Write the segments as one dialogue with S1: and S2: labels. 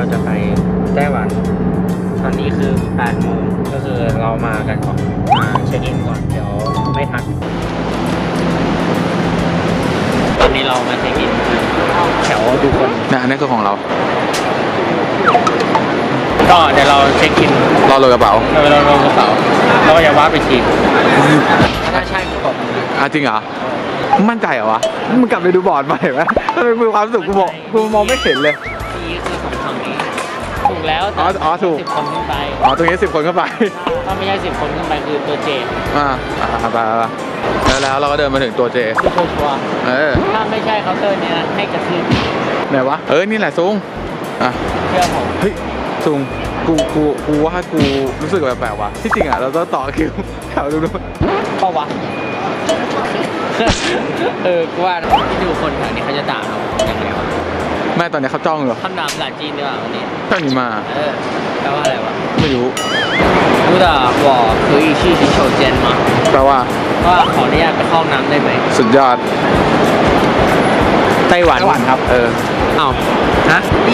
S1: จะไปไต้หวันตอนนี้คือ8 โมงก็คือเรามากันก่อนมาเช็คอินก่อนเดี๋ยวไม่ทันตอนนี้เรามาเช็คอินแถวดูคน
S2: นะนั่นคือของเรา
S1: ก็เดี๋ยวเราเช็คอิน
S2: รอโหลดกระเป๋า
S1: เราลงกระเป๋าเราก็จะวาร์ปไปทีถ้าใช่ก็ตบ
S2: จริงเหรอมั่นใจเหรอวะมึงกลับไปดูบอร์ดใหม่ไหมทำไมมีความรู้สึกกูมองไม่เห็นเลย
S1: นี่คือของทางนี้ถูกแล้ว
S2: ถูก
S1: 10 คนขึ้นไป
S2: ตรงนี้10 คนขึ้นไป
S1: ถ้าไม่ใช่10 คนขึ้นไปคือตัวเจ
S2: ไปแล้วเราก็เดินมาถึงตัวเจ
S1: คือชัวร์ถ้าไม่ใช่เคาน์เตอร์เนี้ยให้กระทืบ
S2: ไหนวะนี่แหละซุง
S1: เชื่อผม
S2: เฮ้ยซุงกูว่ากูรู้สึกแปลกๆว่ะที่จริงเราต้องต่อคิวแถวดู
S1: เปล่าวะกูว่าที่ดูคนแถวนี้เขาจะด่าเราอย่างไรวะ
S2: แม่ตอนนี้เขาจ้องเหรอ
S1: คำด่าภาษาจีนดีกว่าวันนี้
S2: จ้องนี่มา
S1: แปลว่าอะไรวะ
S2: ไม่รู้
S1: รู้แต่ว่าคืออีชี่ชิโชเจนมา
S2: แปลว่า
S1: ขออนุญาตไปเข้าน้ำได้ไหม
S2: สุดยอด
S1: ไต้หวัน
S2: ครับ
S1: อ้าวฮะดี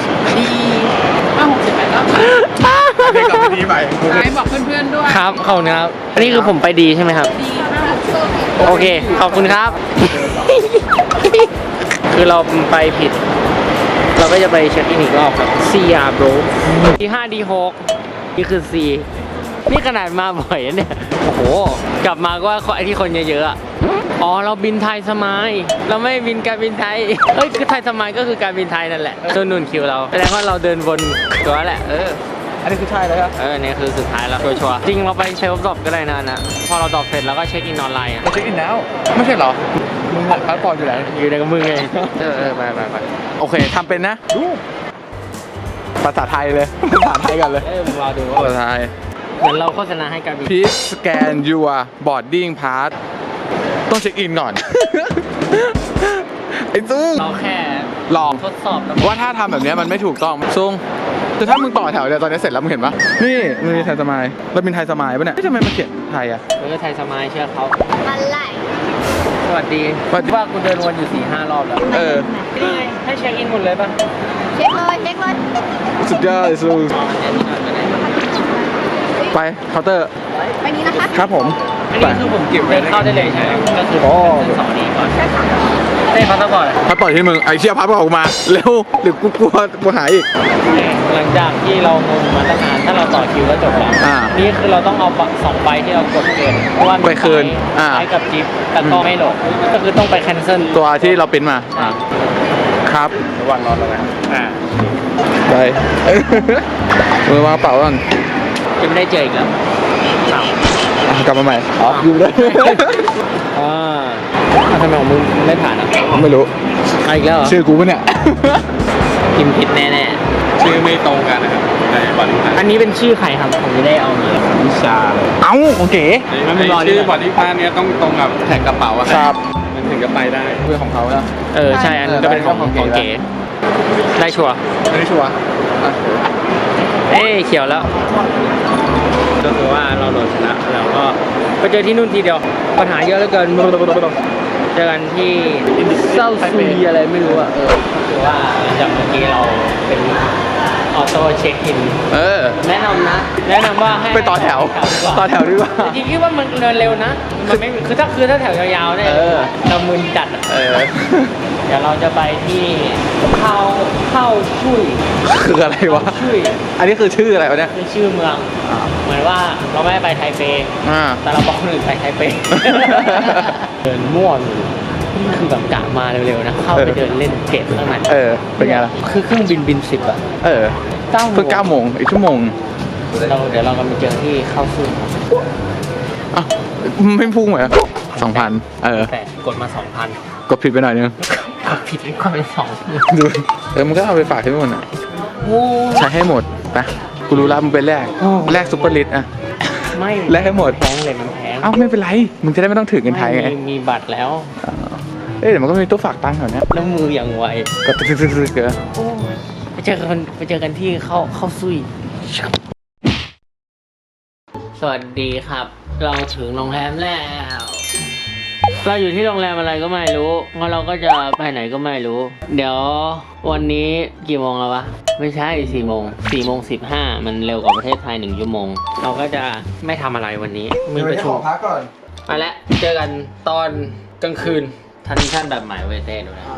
S1: 568ครับ
S2: ให้กลับไปดีใหม่
S1: บอกเพื่อนๆด้วยครับขอบคุณครับอันนี้คือผมไปดีใช่ไหมครับดีโอเคขอบคุณครับคือเราไปผิดเราก็จะไปเช็คอินอีกรอบครับ CR bro D5 D6 นี่คือ C นี่ขนาดมาบ่อยเนี่ยโอ้โหกลับมาก็ว่าไอ้ที่คนเยอะๆเราบินไทยสมายเราไม่บินการบินไทยคือไทยสมายก็คือการบินไทยนั่นแหละตัวนุ่นคิวเราแสดงว่าเราเดินวนตัวแหละ
S2: อันนี้คือใช่เลยครับ
S1: นี่คือสุดท้ายแล้วชัวร์จริงเราไปเซลฟ์ดรอปก็ได้นะพอเราดรอปเสร็จแล้วก็เช็คอินออนไลน์
S2: เช็คอินแล้วไม่ใช่เหรอมึงหมดพาสปอร์ตอยู่ไหน
S1: อยู่ในกับมึงไงไป
S2: โอเคทำเป็นนะดูภาษาไทยเลยภาษาไทยกันเลย
S1: มึงรอดูว่า
S2: ภาษาไทย
S1: เหมือนเราโฆษณาให้การบิน
S2: Please scan your boarding pass ต้องเช็คอินก่อนไอ้ซุง
S1: เราแค่
S2: ลอง
S1: ทดสอบ
S2: ว่าถ้าทำแบบนี้มันไม่ถูกต้องซุงแต่ถ้ามึงต่อแถวเนี่ยตอนนี้เสร็จแล้วมึงเห็นปะนี่มึงมีไทยสมายเราเป็นไทยสมายปะเนี่ยทำไมมันเขียนไทย
S1: ไทยสมายเชื่อเขา
S3: อะไร
S1: สวัสดีว่ากูเดินวนอยู่4-5 รอบแล้วให้เช็คอินหมดเลยป่ะ
S3: เช็คเลย
S2: สุดยอดซุงไปเคาน์เตอร์
S3: ไปนี้นะคะ
S2: ครับผม
S1: อันนี้คือผมเก็บเข้าได้เลยใช่ไหมก็คือ2 นี้ก่อนพาสปอร์ต
S2: ที่มึงไอ้เชี่ยพาสปอร์ตออกมาเร็วหรือกูกลัวหายอีก
S1: หลังจากที่เรางงมาตั้งนานถ้าเราต่อคิวก็จบแล้วนี่คือเราต้องเอา2 ใบที่เรากดเกินเพราะว่า
S2: ไปคืน
S1: ไปกับจิ๊บแต่ก็ไม่โหลดก็คือต้องไปแคนเซิล
S2: ตัวที่เราปิ้นมาครับระหว่างรอแล้วนะไปมือวางเป๋าก่อน
S1: จะไม่ได้เจออีกแล้ว
S2: กลับมาใหม่อยู่เลย
S1: ทำไมของมึงไม่ผ่าน
S2: ไม่รู้
S1: อีกแล้ว
S2: ชื่อกูปะเนี่ย
S1: พิมพ์ผิดแน่
S2: ๆชื่อไม่ตรงกันนะครับในบอดี้
S1: อันนี้เป็นชื่อใครครับผมไม่ได้เอามา
S2: วิชาเลย
S1: โอเค
S2: ชื่อบอดี้พาร์ทเนี้ยต้องตรงกับแท็กกระเป๋าครับมันถึงจะไปได้เพื่อของเขาแล้ว
S1: ใช่อันนี้ก็เป็นของเก๋ได้ชัวร์
S2: ได้ชัวร์
S1: เขียวแล้วก็คือว่าเราโดนชนะแล้วก็ไปเจอที่นู่นทีเดียวปัญหาเยอะเหลือเกินเจอกันที่เซาซุยอะไรไม่รู้คือว่าจากเมื่อกี้เราเป็นออโต้เช็คอินแนะนำว่าให้
S2: ไปต่อแถวดีกว่า
S1: จริงๆคิดว่ามันเดินเร็วนะมันไม่คือถ้าแถวยาวๆเนี่ยเรามึนจัดเดี๋ยวเราจะไปที่เข้าชุย
S2: คืออะไรวะอันนี้คือชื่ออะไรวะเนี่ย
S1: เป็นชื่อเมืองเหมือนว่าเราไม่ได้ไปไทเปแต่เราบอกคนอื่นไปไทเปเดินม่วนนี่คือแบบกะมาเร็วๆนะเข้าไปเดินเล่นเกตข้างใน
S2: เป็นไงล่ะ
S1: คือเครื่องบิน10
S2: 9 โมงอีกชั่วโมง
S1: เดี๋ยวเรากำลังไปเจอที่เข้าซุย
S2: ไม่พุ่งเหรอ2,000
S1: แต่กดมา 2,000
S2: กดผิดไปหน่อยนึง
S1: ผิดก็เป็น
S2: 2ดูมันก็เอาไปฝากที่นู่นใช้ให้หมดไปกูรู้แล้วมึงไปแลกซุปเปอร์ลิส
S1: ไม่
S2: แลกให้หมด
S1: แพงเลยมันแพง
S2: ไม่เป็นไรมึงจะได้ไม่ต้องถือเงินไทยไง
S1: มีบัตรแล้ว
S2: เดี๋ยวมันก็มีตู้ฝากตังค์แถวนี้
S1: แล้วมืออย่างไว
S2: ก็ตึกๆเกิน
S1: ไปเจอกันที่เข้าซุยสวัสดีครับเราถึงโรงแรมแล้วเราอยู่ที่โรงแรมอะไรก็ไม่รู้งั้นเราก็จะไปไหนก็ไม่รู้ เดี๋ยววันนี้กี่โมงแล้ววะ ไม่ใช่4 โมง4 โมง 15มันเร็วกว่าประเทศไทย1 ชั่วโมง เราก็จะไม่ทำอะไรวันนี้ มีประชุม
S2: พักก่อน
S1: มาแล้วเจอกันตอนกลางคืนทันชั่นแบบใหม่เวเต้ดูนะ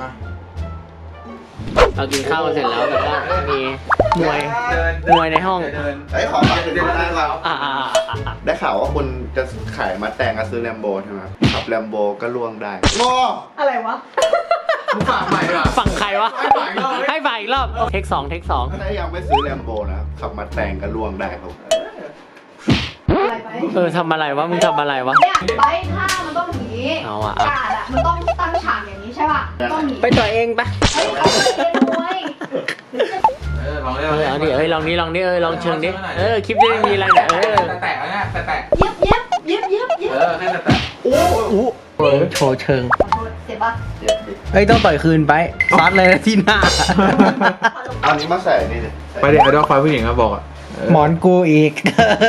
S1: เรากินข้าวกันเสร็จแล้วแบบว่ามีมวยในห้อง
S4: ไอ้ยขอฝากถึงได้ครับ
S1: อ่า
S4: ได้ข่าวว่าคุณจะขายมาแต่งกับซื้อแลมโบใช่ไหมขับแลมโบก็ล่วงได้โง่
S3: อะไรวะ
S2: มึงฝากใหม่ว่ะ
S1: ฝั่งใครวะ
S2: ให้ฝ่ายอีกรอบ
S1: ให้ฝ่ายอีกรอบเทค 2 เทค 2
S4: ถ้ายังไม่ซื้อแลมโบนะขับมาแต่งก็ล่วงได้ครับ
S3: อะไรไป
S1: ทำอะไรวะ มึงทำอะไรวะ
S3: เนี่ยไปท่ามันต้องอย่างนี้
S1: เอาอะ
S3: กาดอะมันต้องตั้งฉากอย่างนี้ใช่ป่ะ ต้องอย่าง
S1: ไป
S3: นี้
S1: ต่อยเองปะ
S3: เฮ้ยเขาเคยเล่นมวย
S2: ลองเล่น
S1: เอาดิลองนี้ลองเชิงดิคลิปนี้มีอะไรเนี่ย
S2: แตะแล้วเนี่ยแตะ
S3: เย็บเย็บเย็บเย็บเย็บ
S2: แค่แตะ
S4: โอ้โห
S1: โชว์เชิง
S3: ขอโทษเจ็บปะ
S4: เจ็บดิ
S1: เฮ้ยต้องต่อยคืนไปซัดเลยนะที่หน้า
S4: เอานี้มาใส่นี่เลย
S2: ไปดิไอดอลไฟผู้หญิงครับบอกอ่ะ
S1: หมอนกูอีก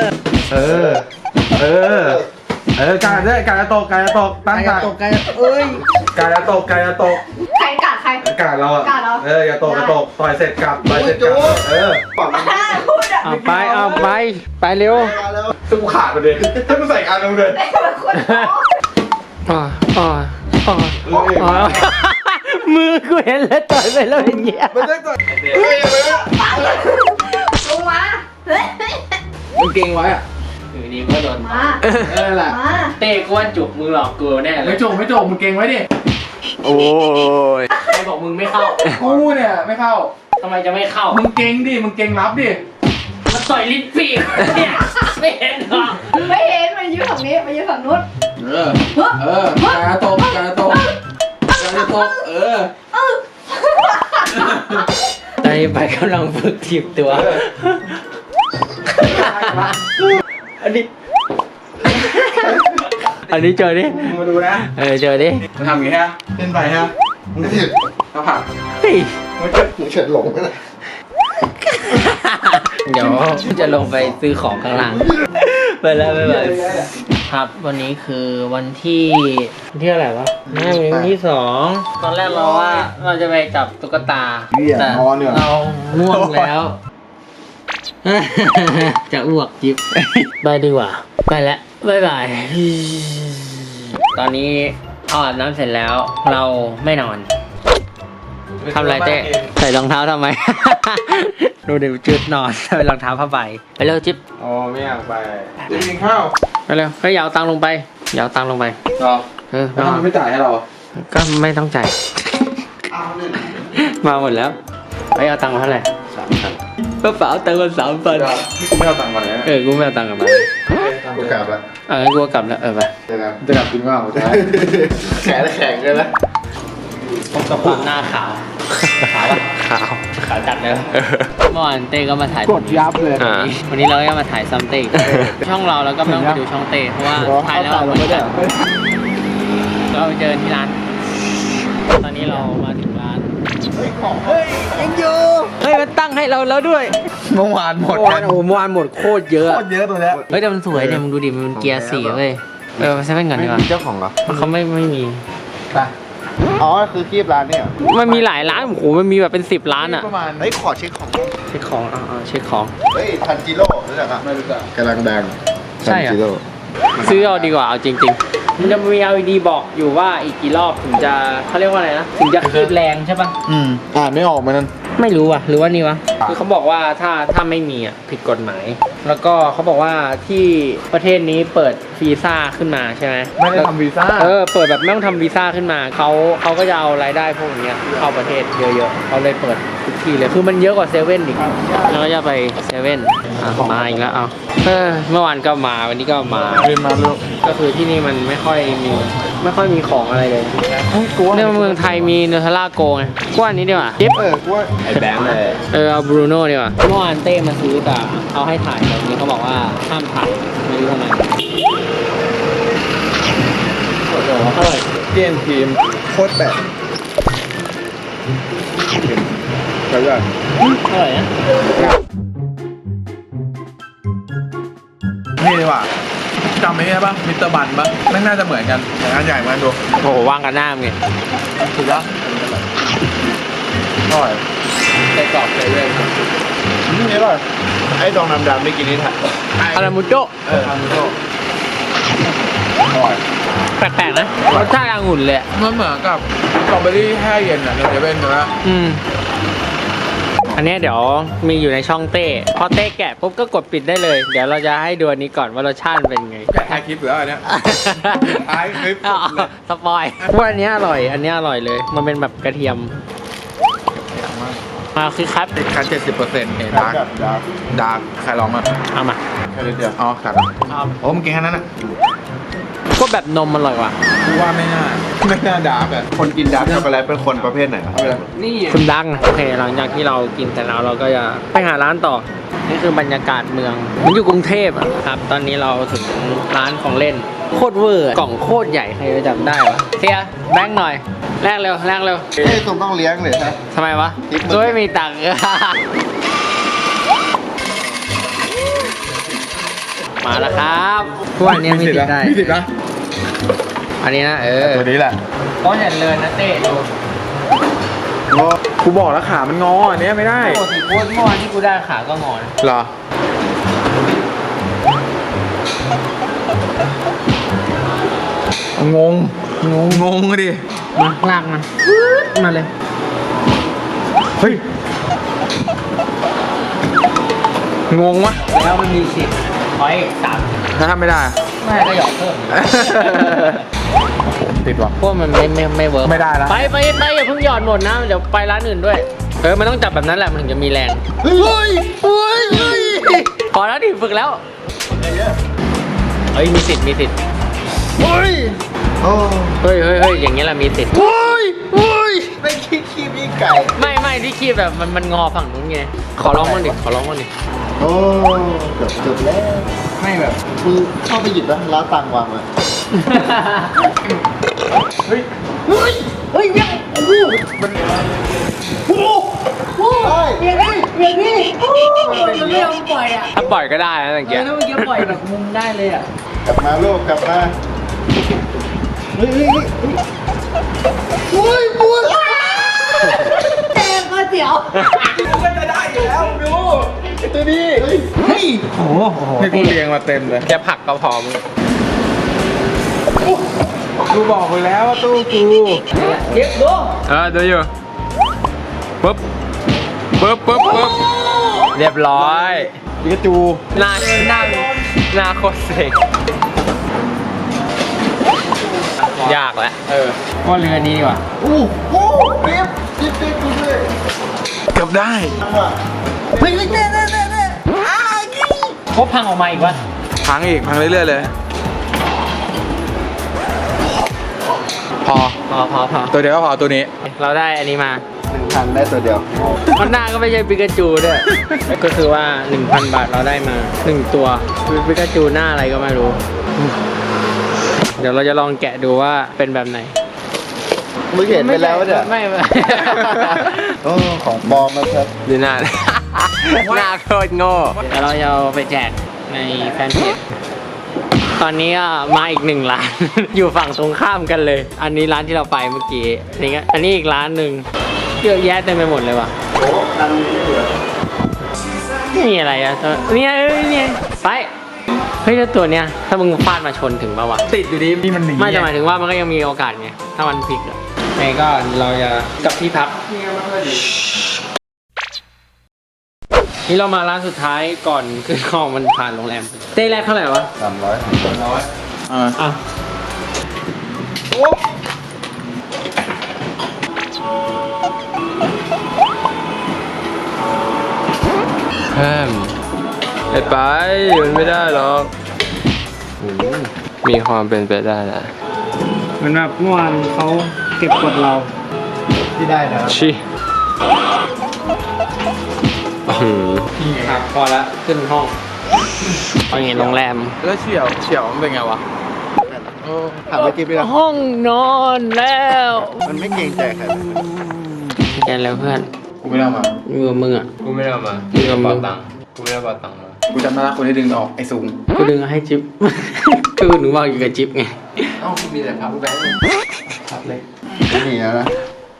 S2: การด้วยการจะตกตั้งการ
S1: ตกกันเอ้ย
S2: การจะตก
S3: ใครกาดใคร
S2: การเราอ่ะ
S3: การเรา
S2: อย่าตกต่อยเสร็จกลับต่อยเสร็จกลับ
S4: ปากมัน
S3: พูดอะ
S1: เอาไปเร็ว
S4: มาแล้ว
S2: ซึ่งกูขาดไปเลยถ้ามึงใส่การลงเลย
S3: ได้เป็นคนท้อง
S1: มือกูเห็นแล้วต่อยไปแล้วอย่างเงี้ย
S2: ไม่ได้ต่อย
S3: ลงมาเฮ้ย
S2: มึงเก่งไว้อ่ะ
S1: อยู่ดีก็โดน
S3: มา
S2: แหละ
S3: มา
S1: เต้ก้วนจุกมึงหลอกกูแน่เล
S2: ไม่
S1: ย
S2: จบมึงเก่งไว้ดิ
S4: โอ้ย
S1: ใครบอกมึงไม่เข้า
S2: กูเนี่ยไม่เข้า
S1: ทำไมจะไม่เข้า
S2: มึงเก่งดิมึงเก่งรับดิ
S1: มันต่อยลิ้นปีกเนี่ยไม่เห็นหรอ
S3: ไม่เห็นมันยืนฝั่งนี้มันยืนฝั่งนู้น
S2: การจะตก
S1: ตอนนี้ไปกำลังฝึกถีบตัว อันนี้เจอดิ
S2: มึงมาดูนะ
S1: เจอดิ
S2: มึงทำอย่างงี้ฮะเล่นไปฮะมึงผิดเขาผัก
S1: เฮ้ย
S4: มึงเฉิดหลงไปเลย
S1: เดี๋ยวจะลงไปซื้อของข้างล่างไปแล้วบ๊ายบายครับวันนี้คือวันที่อะไรวะวันที่ 2 ตอนแรกเราว่าเราจะไปจับตุ๊กตาแต่เราง่วงแล้ว จะอ้วกจิ๊บไปดีกว่าไปแล้วบ๊ายบายตอนนี้อาบน้ำเสร็จแล้วเราไม่นอนทำอะไรเต้ใส่รองเท้าทำไม ดูเดี๋ยวจุดนอนใส่รองเท้าผ้าใบไปเร็วจิ๊บ
S2: อ๋อไม่อยากไปกินข้าว
S1: ไปเร็วเฮ้ยอย่าเอาตังค์ลงไปอย่าเอาตังค์ลงไป
S2: รอ
S1: ไป
S2: แล้ว
S1: นอน
S2: ทำไมไม่จ่ายให้เรา
S1: ก็ไม่ต้องจ่าย
S4: เอาเนี่ย
S1: มาหมดแล้วไปเอาตังค์มาเท่าไหร่กระเป๋าตังค์มา3,000
S2: กูไม่เอาตังค์ก่อนเลยนะ
S1: กูไม่เอาตังค์กลับมา
S4: กูกลับละ
S1: งั้นกูก็กลับแล้วไป
S4: เจอกัน
S2: จะกลับกินข้าวใช่
S4: แข็งเลยนะ
S1: พบกับความหน้าขาวขาวขาวจัดเลยเมื่อวานเต้ก็มาถ่าย
S2: กดยับเลย
S1: วันนี้เราก็มาถ่ายซัมเต้ช่องเราแล้วก็ไม่ต้องไปดูช่องเต้เพราะว่าถ่ายแล้วเราไม่ได้เราไปเจอที่ร้าน ตอนนี้เรามาถึงร้านเฮ้ยยังอยู่เฮ้ยมันตั้งให้เราแล้วด้วย
S2: เมื่อวานหมด
S1: โอ้เมื่อวานหมดโคตรเยอะ
S2: โคตรเยอะตัวเนี้ย
S1: เฮ้ยแต่มันสวยเนี่ยมึงดูดิมันเกียร์4เว้ยไปเซเว่นก่อนดีกว่า
S4: เจ้าของเหรอ
S1: เขาไม่มี
S2: ไป
S4: อ๋อคือคีบร้านเนี่ย
S1: มันมีหลายร้านโอ้โหมันมีแบบเป็น10 ร้านอ่ะ
S2: ประมาณ
S4: เฮ้ยขอเช็คของ
S1: เช็คของเช็คของ
S4: เฮ้ยทันจิโร่รู้จักอ่ะ
S2: ไม่รู้จัก
S4: กำลังดัง
S1: ใช่เหรอ
S4: ทันจิโร่
S1: ซื้อเอาดีกว่าเอาจริงๆมันจะมี LED บอกอยู่ว่าอีกกี่รอบถึงจะเขาเรียกว่าอะไรนะถึงจะคืบแรงใช่ปะ
S4: อ่านไม่ออกมันนั่น
S1: ไม่รู้ว่ะหรือว่านี่วะคือเขาบอกว่าถ้าไม่มีอ่ะผิดกฎหมาย แล้วก็เขาบอกว่าที่ประเทศนี้เปิดวีซ่าขึ้นมาใช่ไหม
S2: ไม่ได้ทำวีซ่า
S1: เปิดแบบไม่ต้องทำวีซ่าขึ้นมาเขาก็จะเอารายได้พวกเนี้ยเข้าประเทศเยอะๆเขาเลยเปิดทุกที่เลยคือมันเยอะกว่าเซเว่นอีกแล้วก็จะไปเซเว่นมาอีกแล้วเอาเมื่อวานก็มาวันนี้ก็มา
S2: เรียนมาลูก
S1: ก็คือที่นี่มันไม่ค่อยมีของอะไรเลย
S2: กูว่า
S1: เนี่ยเมืองไทยมีเนเธอร่าโกไงกว่านี้ดีกว่าจิ๊บ
S4: กูว่าไอ้แบงค์เลย
S1: เอาบรูโน่ดีกว่าเมื่อวานเต้มาซื้อแต่เอาให้ถ่ายแต่วันนี้เขาบอกว่าห้ามถ่ายไม่รู้ทำไมโอ้โหอร่อย
S2: เกียนทีม
S4: โคตรแบบใช่ไหม
S1: อร่อยนะ
S2: นี่ดีกว่าจำไอ้นี่ป่ะมิสเตอร์บันป่ะแม่งน่าจะเหมือนกันแต่อันใหญ่มาดู
S1: โอ้โหว่างกันหน้ามึงไง
S2: ถูกปะอร่อยไส้กรอกเซเว่น
S4: นี่ป่ะไอ้ตรงดำๆไม่กินนี่ถ่าย
S1: อารามูโจ
S2: ทำโซ่อร่อย
S1: แปลกๆนะรสชาติองุ่นเลยอะ
S2: มันเหมือนกับสตรอเบอรี่แช่เย็นอ่ะในเซเว่นนะ
S1: อันเนี้ยเดี๋ยวมีอยู่ในช่องเต้พอเต้แกะปุ๊บก็กดปิดได้เลย เดี๋ยวเราจะให้ดูอันนี้ก่อนว่ารสชาติเป็นไง
S2: แกะถ่ายคลิปหรืออะไรเนี่ย ท้ายคลิปสุดเลย
S1: สปอยว่าอันเนี้ยอร่อย อันเนี้ยอร่อยเลย มันเป็นแบบกระเทียมมาคือครับ
S2: ติดคัน70%เห็นดาร์ก
S4: แบบดาร์ก
S2: ดาร์กใครลองมา
S1: เอามา
S4: แค่นิดเดียว
S2: อ๋อครับโอ้มึงกินแค่นั้นอ่ะ
S1: ก็แบบนมอร่อยกว่า
S2: กูว่าไม่น่าดาร์กอ่ะ
S4: คนกินดาร์กช็อกโกแลตเป็นคนประเภทไหนครับ
S1: นี่คุณดังโอเคหลังจากที่เรากินแต่แล้วเราก็จะไปหาร้านต่อ นี่คือบรรยากาศเมือง มันอยู่กรุงเทพอะครับ ตอนนี้เราถึงร้านของเล่น โคตรเวอร์กล่องโคตรใหญ่ใครจะจำได้วะเสียแบงค์หน่อยแลกเร็วแลกเร็ว
S4: เฮ้ยต้องเลี้ยงเลยฮะ
S1: ทำไมวะ
S4: ทิปมึง
S1: ก็ไม่มีตังค์ มาแล้วครับทุกวันนี้มีติดได้
S2: มีติดนะ
S1: อันนี้นะ
S2: ตัวนี้แหละ
S1: ก็อย่าเลยนะเต้ดู
S2: กูบอกแล้วขามันงออันเนี้ยไม่ได้
S1: ปกติโคตรเมื่อวานที่กูได้ขาก็งอน
S2: เหรอ งงดิ
S1: มาลากมาเลย
S2: เฮ้ย งงวะ
S1: แล้วมันมีสิทธิ์ขออีก3
S2: ถ้าทำไม่ได้อะ
S1: ไม่ก็หยอกเพิ่ม
S2: ติดว่ะ
S1: พวกมันไม่เวิร์ก
S2: ไม่ได้ละ
S1: ไปอย่าเพิ่งหยอดหมดนะเดี๋ยวไปร้านอื่นด้วยมันต้องจับแบบนั้นแหละมันถึงจะมีแรงเฮ้ยพอแล้วดิฝึกแล้วเฮ้ยมีสิทธิ์
S4: โอ้
S1: เฮ้ยอย่างเงี้ยแหละมีสิทธิ์
S4: ไม่คิดคีบยิ่งไก่
S1: ไม่ที่คีบแบบมันงอฝั่งนู้นไงขอร้องมันดิ
S4: โอ้เกือบแล้ว
S2: ไม่แบบ
S4: มึงเข้าไปหยิบแล้วแล้วตังวางไว้
S2: เฮ้ย
S1: อย่างนี้มันไม่ยอมปล่อยอ่ะถ้าปล่อยก็ได้นะอย่างเงี้ยถ้าเมื่อกี้ปล่อยแบบมุมได้เลยอ่ะ
S4: กลับมาลูกกลับมาเฮ้ยปวด
S1: เจ๊ก๋วยเตี๋ยว
S2: มันจะได้อยู่แล้วดู
S4: ไอ้ตัวนี้เฮ้ย
S1: โอ้โห
S2: นี่กูเรียงมาเต็มเลย
S1: แค่ผักก็พอมึง
S2: กูบอกไปแล้วว่าตู้กู
S1: เย็บดู
S2: ดูอยู่ปึ๊บ
S1: เรียบร้อย
S2: ปิกาจู
S1: หน้าโคตรเซ็งยากแหละว่าเรือนี้ดีกว่า
S4: โอ้โหปิ๊บดูด้วย
S2: เกือบได้
S4: เฮ้ยเน่
S1: พบพังออกมาอีกวะ
S2: พังเรื่อยๆเลย พอ ตัวเดียวก็พอตัวนี้
S1: เราได้อันนี้มา
S4: 1,000ได้ตัวเดียว
S1: มันหน้าก็ไม่ใช่ปิกาจูด้วย ก็คือว่า 1,000 บาทเราได้มา 1 ตัวคือปิกาจูหน้าอะไรก็ไม่รู้ เดี๋ยวเราจะลองแกะดูว่าเป็นแบบไหน
S4: มึงเห็นไปแล้วเนี่ย
S1: ไม่
S4: โอ้ของปลอมนะครับ
S1: ดูหน้า หน้าโคตรโง่เดี๋ยวเราจะเอาไปแจกในแฟนเพจ ตอนนี้ก็มาอีก1 ร้าน อยู่ฝั่งตรงข้ามกันเลย อันนี้ร้านที่เราไปเมื่อกี้นี่ก็อันนี้อีกร้านหนึ่งเยอะแยะเต็มไปหมดเลยว่ะ
S4: โอ้ตังค์นี้เหลือ
S1: นี่อะไรอ่ะเนี่ยไปเฮ้ยแล้วตัวเนี้ยถ้ามึงฟาดมาชนถึงป่าวะ
S2: ติดอยู่ดีนี่มันหนี
S1: ไม่จะหมายถึงว่ามันก็ยังมีโอกาสไงถ้ามันพลิกอ่ะไงก็เราจะกลับที่พักนี่เรามาร้านสุดท้ายก่อนขึ้นห้องมันผ่านโรงแรมเต้แรกเท่าไหร่วะ
S4: 300
S1: อ่ะเพิ่มไปมันไม่ได้หรอกมีความเป็นไปได้นะเหมือนแบบเมื่อวานเขาเก็บกดเรา
S4: ที่ได้นะ
S1: ชิครับพอละขึ้นห้องไปไงโรงแรม
S2: แล้วเฉียวมันเป็นไงวะ
S4: ถามไปกิ๊บไปแล้ว
S1: ห้องนอนแล้ว
S4: มันไม่เกรงใจใครเลย
S1: แกแล้วเพื่อน
S2: กูไม่ได้เอามา
S1: อยู่กับมึงอ่ะ
S3: กูไม่ได้เอามา
S1: อยู่กับมึง
S3: กูไม่ได้เอาตังค์มา
S2: กูจำได้ละคนที่ดึงออกไอ้ซุง
S1: กูดึงให้จิ๊บ คือหนูบอกอยู่กับจิ๊บไง
S3: เอ้ามีแต่พับแบงค์พับเลย
S4: ไม่หนีแล้วนะ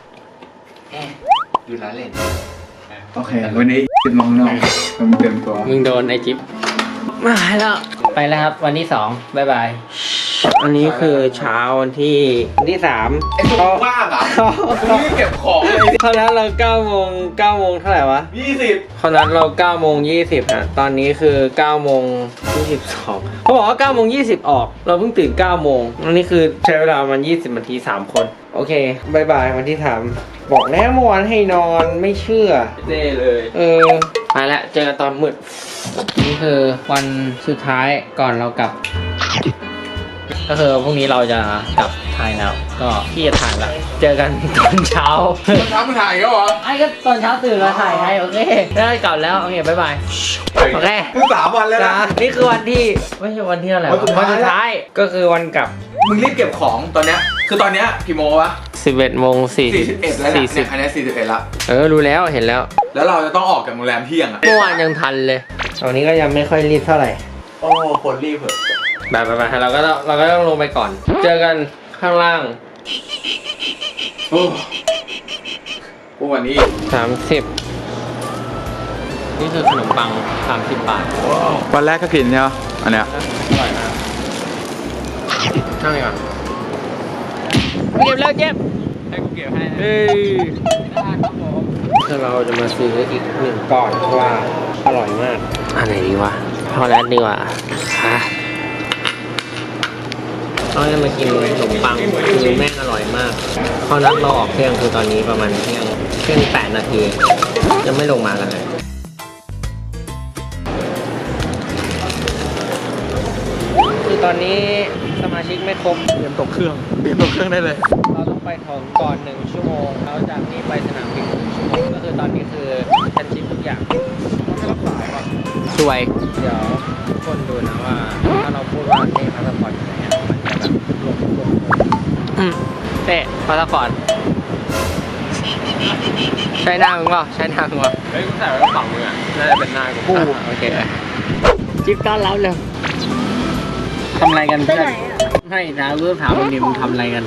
S3: ดูร้านเล่น
S2: โอเค วันนี้จิบน้องๆเตรียมตัว
S1: มึงโดนไอจิ๊บมาแล้วไปแล้วครับวันที่2บ๊ายบายอันนี้คือเช้าวันที่3
S2: ไอ้ซุงว่างอ่ะกูรีบเก็บของเลย
S1: เขานัดเรา9 โมงเท่าไหร่วะ
S2: 20
S1: เขานัดเรา9 โมง 20ฮะตอนนี้คือ9 โมง 22เขาบอกว่า9 โมง 20ออกเราเพิ่งตื่น9 โมงอันนี้คือใช้เวลามัน20 นาที3 คนโอเคบ๊ายบายวันที่3บอกแล้วเมื่อวานให้นอนไม่เชื่อ
S2: เด้เลย
S1: ไปแล้วเจอกันตอนมืดนี่คือวันสุดท้ายก่อนเรากลับ ก็คือพรุ่งนี้เราจะกลับไทยแล้วก็พี่จะถ่ายแล้วเจอกันตอนเช้า
S2: ทำถ่ายก็เหรอ
S1: ไอ้ก็ตอนเช้าตื่นมาถ่ายให้โอเคได้กลับแล้วโอเคบ๊ายบายโอเค
S2: เพิ่ง3 วันแล้วนะ
S1: นี่คือวันที่ไม่ใช่วันที่อะไรวะ
S2: วันสุดท้าย
S1: วันสุดท้ายก็คือวันกลับ
S2: มึงรีบเก็บของตอนเนี้ยคือตอนเนี้ยกี่โมงวะ
S1: 11 โมง
S2: 41แล้วเนี่ยอันนี้41ละ
S1: รู้แล้วเห็นแล้ว
S2: แล้วเราจะต้องออกจากโรงแรมเที่ยงอ่ะ
S1: เมื่อวานยังทันเลยตอนนี้ก็ยังไม่ค่อยรีบเท่าไหร่
S2: โอ้คนรีบเหอะ
S1: ไปเราก็ต้องลงไปก่อน เจอกันข้างล่าง
S2: โอ้วันนี้
S1: 30นี่คือขนมปัง30 บาท
S2: วันแรกก็กินใช่ไหมอันเนี้ย
S1: อร่อยมากช่างไงก่อนเก็บแล้วเจ็บให้กูเก็บให้คือเราจะมาซื้ออีก1 ก้อนเพราะว่าอร่อยมากอันไหนดีวะพอแล้วดีกว่าเราจะมากินขนมปังคือแม่งอร่อยมากพอนัดเราออกเที่ยงคือตอนนี้ประมาณเที่ยง 8 นาทียังไม่ลงมากันเลยคือตอนนี้สมาชิกไม่ครบ
S2: เตรียมตกเครื่องได้เลย
S1: เราต้องไปถึงก่อน1 ชั่วโมงแล้วจากนี้ไปสนามบิน1 ชั่วโมงก็คือตอนนี้คือฉันชิปทุกอย่างช่วยเดี๋ยวทุกคนดูนะว่าถ้าเราพูดว่าเต้พาสปอร์ตอยู่ไหนอะมันจะแบบลงเต้พาสปอร์ตใช้หน้ามึงเปล่าใช้หน้ามึงเปล่า
S2: เฮ้ยกูใส่ไว้กระเป๋ามึงอ่ะน่าจะเป็นหน้ากู
S1: โอเคจิ๊บต้อนรับเลยทำอะไรกันเพื่อนไม่นะรู้ถามวันนี้มึงทำอะไรกัน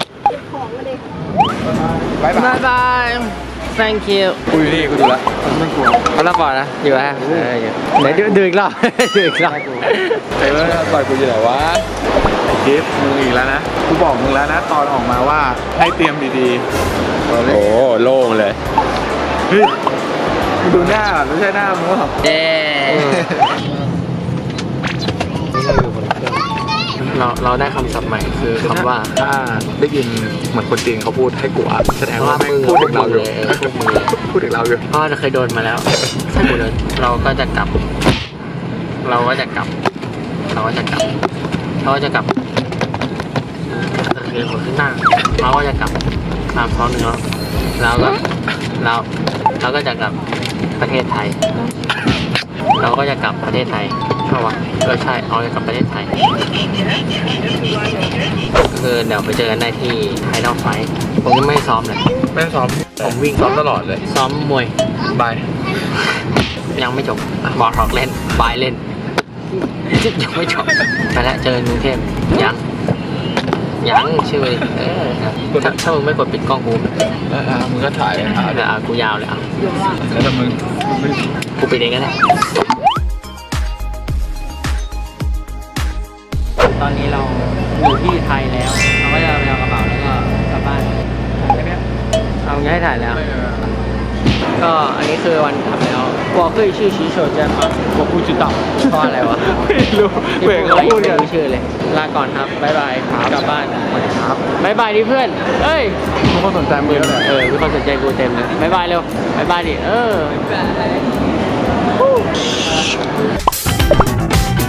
S2: บายบาย
S1: บาย thank you
S2: กูอยู่นี่กูดูแล้วไม่กลัว
S1: เขาละก่อนนะอยู่ฮะไหนดูอีกรอบ ดูอีกรอบ
S2: ไอ้เมื่อต่อยกูอยู่ไหนวะไอ้กิฟต์มึงอีกแล้วนะกูบอกมึงแล้วนะตอนออกมาว่าให้เตรียมดีๆโอ้โล่งเลยเฮ้ยมึงดูหน้าไม่ใช่หน้ามึงหรอ
S1: เย้เราได้คำศัพท์ใหม่คือคำว่า
S2: ถ้าได้ยินเหมือนคนจีนเขาพูดให้กูอ่ะแสดงว่าแม่งพูดถึงเราอยู่พูดถึงเราอยู่
S1: พ่อจะเคยโดนมาแล้วใช่หมดเลยเราก็จะกลับเราก็จะกลับเรียนหัวขึ้นหน้าเราก็จะกลับ3 2 1แล้วเราก็จะกลับประเทศไทยเราก็จะกลับประเทศไทยใช่ปะใช่เราจะกลับประเทศไทยคือเดี๋ยวไปเจอกันได้ที่ไทยนอกไฟผมยังไม่ซ้อมเลย
S2: ไม่ซ้อมผมวิ่งซ้อมตลอดเลย
S1: ซ้อมมวย
S2: บาย
S1: ยังไม่จบบอลทอกเล่นบายเล่น ยังไม่จบไปแล้วเจอกันกรุงเทพยังชื่อถ้ามึงไม่กดปิดกล้องกู
S2: มึงก็ถ่ายถ่าย
S1: กูยาวเลยอ่ะ
S2: แล้วแต่มึง
S1: กูปิดเองก็ได้ตอนนี้เราอยู่ที่ไทยแล้วเราก็จะไปเอากระเป๋าแล้วก็กลับบ้านเอาง่ายถ่ายแล้ว ก็อันนี้คือวันกลับแล้ว我可以去洗手间吗我不知道เพราะอะไรวะ
S2: ไม่รู้เบรกเขาพูดกัน
S1: ไม่รู้ชื่อเลยลาก่อนครับบ๊ายบายกลับบ้านครับบ๊ายบายดิเพื่อนเอ้ย
S2: มึงก็สนใจมึงแล้วแหละ
S1: มีคนสนใจกูเต็มเลยบ๊ายบายเร็วบ๊ายบายดิ